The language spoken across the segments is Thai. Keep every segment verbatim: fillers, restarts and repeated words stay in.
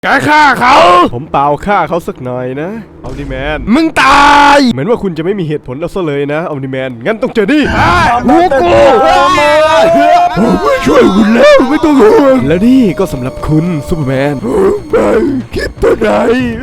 แกฆ่าเขาผมเปล่าฆ่าเขาสักหน่อยนะออมนิแมนมึงตายเหมือนว่าคุณจะไม่มีเหตุผลแล้วซะเลยนะออมนิแมนงั้นต้องเจอนี่หูกูผมไม่ช่วยคุณแล้วไม่ต้องห่วงแล้วนี่ก็สำหรับคุณซูเปอร์แมนไม่คิดตัวไหน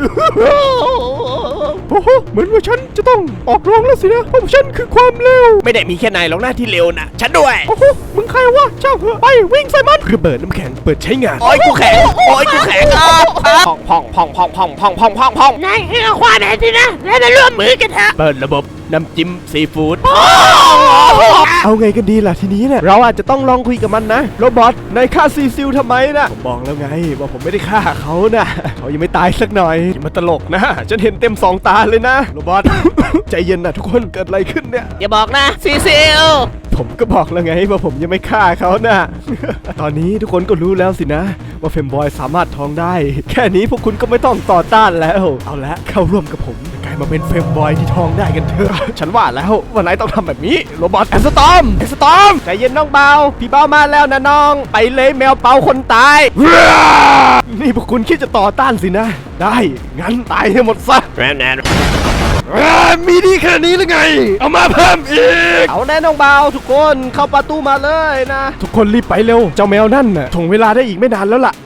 โอ้โหเหมือนว่าฉันจะต้องออกโรงแล้วสินะเพราะฉันคือความเร็วไม่ได้มีแค่นายหรอกหน้าที่เร็วนะฉันด้วยโอ้โหมึงใครวะเจ้าเหอะไปวิ่งใส่มันระเบิดน้ำแข็งเปิดใช้งานโอ้ยกูแข็งโอ้ยกูแข็งพองพองพองพองพองพองพองพองพองนายให้เราความเห็นสินะแล้วมาร่วมมือกันเถอะเปิดระบบน้ำจิ้มซีฟู้ดเอาไงกันดีล่ะทีนี้เนี่ยเราอาจจะต้องลองคุยกับมันนะโรบอทนายฆ่าซีซิลทำไมนะผมบอกแล้วไงว่าผมไม่ได้ฆ่าเขานะเขายังไม่ตายสักหน่อยอย่ามาตลกนะฉันเห็นเต็มสองตาเลยนะโรบอท ใจเย็นนะทุกคนเกิดอะไรขึ้นเนี่ยอย่าบอกนะซีซิลผมก็บอกแล้วไงว่าผมยังไม่ฆ่าเขานะ ตอนนี้ทุกคนก็รู้แล้วสินะว่าเฟมบอยสามารถท้องได้แค่นี้พวกคุณก็ไม่ต้องต่อต้านแล้วเอาละเข้าร่วมกับผมกลายมาเป็นเฟมบอยที่ท้องได้กันเถอะฉันว่าแล้วว่านายต้องทำแบบนี้โรบอทแอนสตอมแอนสตอมใจเย็นน้องเบาพี่เบามาแล้วนะน้องไปเลยแมวเปาคนตายนี่พวกคุณคิดจะต่อต้านสินะได้งั้นตายให้หมดซะแรมแนนมีดีแค่นี้หรือไงเอามาเพิ่มอีกเอาแน่น้องเบาทุกคนเข้าประตูมาเลยนะทุกคนรีบไปเร็วเจ้าแมวนั่นน่ะถ่วงเวลาได้อีกไม่นานแล้วล่ะ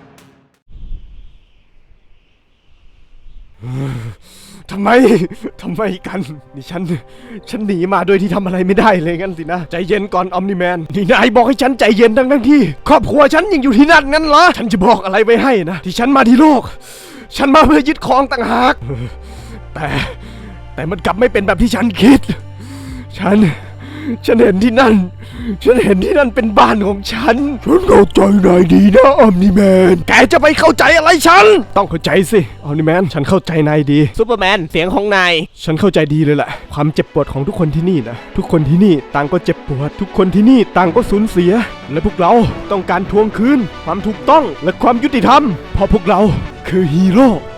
ทำไมทำไมกันนี่ฉันฉันหนีมาโดยที่ทำอะไรไม่ได้เลยงั้นสินะใจเย็นก่อนออมนิแมนนี่นายบอกให้ฉันใจเย็นทั้งทั้งที่ครอบครัวฉันยังอยู่ที่นั่นงั้นเหรอฉันจะบอกอะไรไปให้นะที่ฉันมาที่โลกฉันมาเพื่อยึดครองต่างหากแต่แต่มันกลับไม่เป็นแบบที่ฉันคิดฉันฉันเห็นที่นั่นฉันเห็นที่นั่นเป็นบ้านของฉันฉันเข้าใจนายดีนะออมนิแมนแกจะไปเข้าใจอะไรฉันต้องเข้าใจสิออมนิแมนฉันเข้าใจนายดีซูเปอร์แมนเสียงของนายฉันเข้าใจดีเลยแหละความเจ็บปวดของทุกคนที่นี่นะทุกคนที่นี่ต่างก็เจ็บปวดทุกคนที่นี่ต่างก็สูญเสียและพวกเราต้องการทวงคืนความถูกต้องและความยุติธรรมเพราะพวกเราคือฮีโร่